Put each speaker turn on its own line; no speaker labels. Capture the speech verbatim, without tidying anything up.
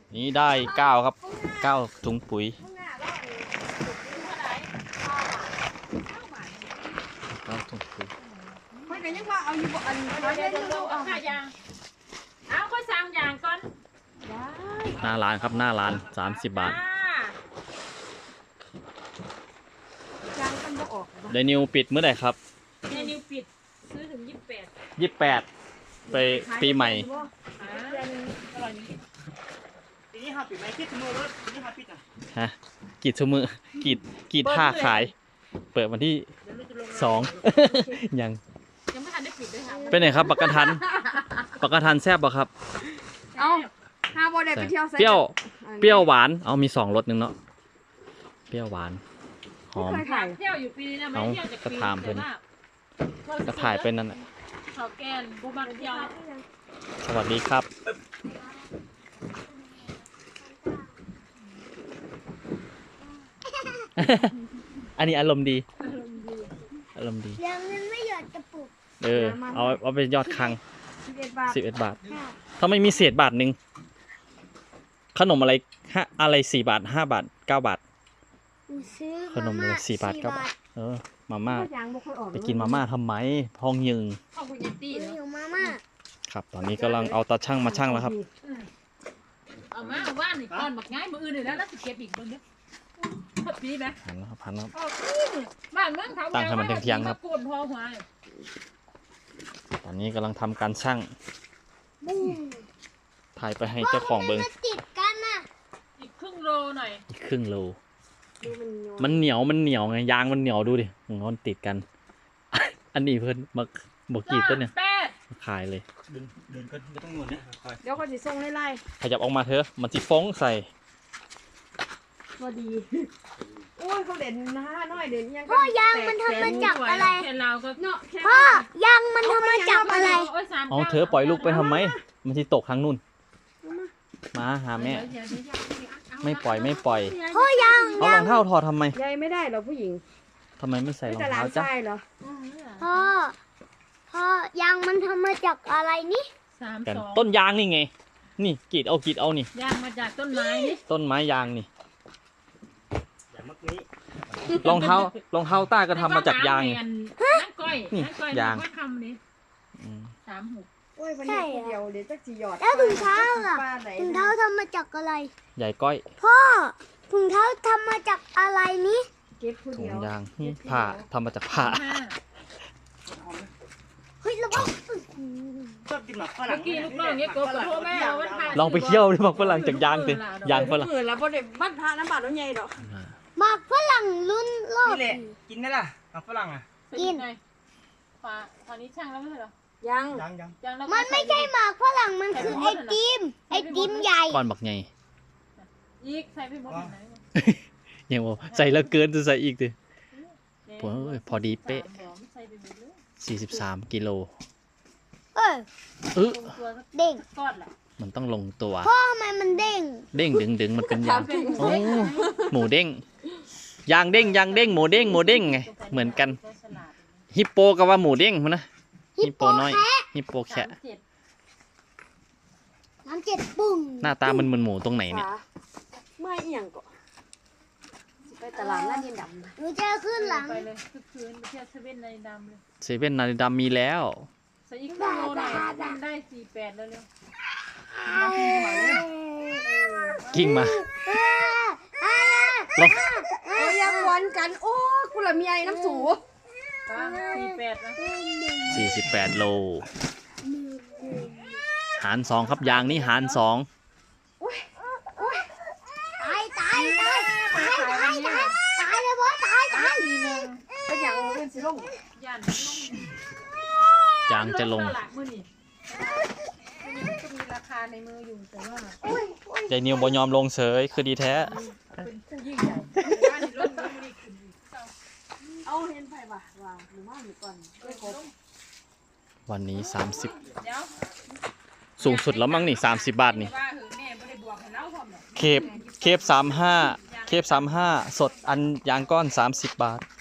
นี่ได้เก้าครับเก้าถุงปุ๋ยเก้าถุงปุ๋ย
ไม่ได้ยังว่าเอาอยู่บ่อันเขาเล่นดูเอาค่ายางเอาค่อยสั่งยางก่อน
หน้าร้านครับหน้าร้านสามสิบบาท
ยางมันบ่ออก
ไดนิวปิดเมื่อไหร่ครับ
ไดนิวปิดซื้อถึงยี่สิบแปด
ยี่สิบแปดไปปีใหม่
ปีนี้ห้าปิดไหมคิดถึงมือรถปีนี้ห้าปิดอ่ะ
ฮะกีดชั่วมือกีดกีดท่าขายเปิดวันที่สองยัง
ยังไม่ทันได้ปิดด้วยค่ะ
เป็นไงครับปักกระทันปักกระทันแซ่บป่ะครับ
เอาห้าโมเดลไปเที่ยว
เปรี้ยวเปรี้ยวหวานเอามีสองรสนึงเนาะเปรี้ยวหวานหอม
เที่ยวอยู่ปีนะไม่เที่ยวจากปี
กระถามเพิ่นกระถ่ายเป็นนั่นแหละ
เขาแกนบูบังเที่ยว
สวัสดีครับอันนี้อารมณ์ดีอารมณ์ดี
ยังเงินไม่หยอดกระปุก
เออเอาเอาไปยอดคลังสิบเอ็ดบาทถ้าไม่มีเศษบาทหนึ่งขนมอะไรห้าอะไรสี่บาทห้าบาทเก้าบาทขนมอะไรสี่บาทเก้าบาทเออมาม่าไปกินมาม่าทำไมพองยึงครับตอนนี้กำลังเอาตาช่างมาช่างแล้วครับ
เอามาว่านหนึ่งก้อนหมักง่ายมืออื่นเลยแล้วแล้วสิเก็บอีกเบิ้งเด้อปีไหม
พันแล้วพันแล้ว
บ้านเมืองเขา
ตั้งให้มันเที่ยงๆครับตอนนี้กำลังทำการช่างถ่ายไปให้เจ้าของเบิ้ง
ติดกันน่ะ
อีกครึ่งโลหน่อย
อีกครึ่งโลมันเหนียวมันเหนียวไงยางมันเหนียวดูดิมันติดกันอันนี้เพื่อนมาบอกกีดต้นเนี่ยขายเลย
เดินเดินก็ไม่ต้องหนุนนะ
เดี๋ยวเขาจะส่งไล่
ขยับออกมาเถอะมันจะฟ้องใส่
พอดีโอ้ยเขาเด่นหน้าน้อยเด่นยัง
พ่อยางมันทำมาจากอะไร
พ่
อยางมันทำมาจากอะไร
เอาเธอปล่อยลูกไปทำไมมันจะตกทางนู่นมาหาแม่ไม่ปล่อยไม่ปล่อย
พ่อยาง
เอารองเท้าถอดทำไม
ยายไม่ได้หรอผู้หญิง
ทำไมไม่ใส่รองเท้าจ้ะ
พ่อพ่อยางมันทำมาจากอะไรนี่
กันต้นยางนี่ไงนี่กีดเอากีดเอานี่
ยางมาจากต้นไม้นี่
ต้นไม้ยางนี่รองเท้ารองเท้าต้าก็ทำมาจากยางนี่
นี่
ยาง
สามหก
ใช่แล้วถุงเท้าล่ะถุงเท้าทำมาจากอะไร
ใหญ่ก้อย
พ่อถุงเท้าทำมาจากอะไรนี่
ถุงยางผ้าทำมาจากผ้า
เฮ้ยระวัง
ชอบกินหมักฝรั่ง
กินลูกน้องเงี้ยโกโก้แม่
ลองไปเที่ยวดิหมักฝรั่งจากยางสิยางฝรั่ง
เออแล้วพอเด็กบ้านพระน้ำบาดน้ำใหญ่ดอก
หมักฝรั่งรุ่นโลก
นี่แหละกินได้ล่ะหมักฝรั่งอ่ะ
กิน
ฝาตอนนี้ช่างแล้วไม่ใช่หรอ
ยังยังยัง
มันไม่ใช่หมักฝรั่งมันคือไอติมไอติมใหญ่
ก้อนบักใหญ่
อีกใส่ไปหมดไหน
ยังบอกใส่แล้วเกินจะใส่อีกดิพอดีเป๊ะสี่สิบสามกิโล
เออ
เออ
เด้ง
มันต้องลงตัว
พ่อทำไมมันเด้ง
เด้งดึงดึงมันเป็นยางโอ้หมูเด้งยางเด้งยางเด้งหมูเด้งหมูเด้งไงเหมือนกันฮิปโปกับว่าหมูเด้งมันนะฮิปโปน้อยฮิปโปแคะ
น้ำเจ็ดปุ่ง
หน้าตามันเหมือนหมูตรงไหนเนี่ย
ไม่เอียงก็ไปตลาดหน้าดินดำ
หนูจะขึ้นหลัง
ไปเลยคือคืนไปเที่ยวเซเว่นในดำเลย
เซเว่นนาฬิดามีแล้ว
ใส่อีกโลหน่อยได้สี่แปดแล้วเร็ว
กิ้งมา
ลงโอ้ยยังวันกันโอ้กุหลาบมีไอ้น้ำสูสี่แปดนะ
สี่สิบแปดโลหารสองครับยางนี้หารสอง
ตายตายตายตายตายตายตายเลยพ่อตายตาย
เป็นอย่างเป็นสิลงยัน
จางจะลง
มีราคาในมืออยู่แต่ว่า
ใจนิวบอยอมลงเฉยคือดีแท้
เป็นผู้ยิ่งใหญ่เอาเห็นไปว่ะว่าหรือว่าหรือก่อน
วันนี้สามสิบสูงสุดแล้วมั้งนี่สามสิบบาทนี่เคปเคปสามห้าเคปสามห้าสดอันยางก้อนสามสิบบาท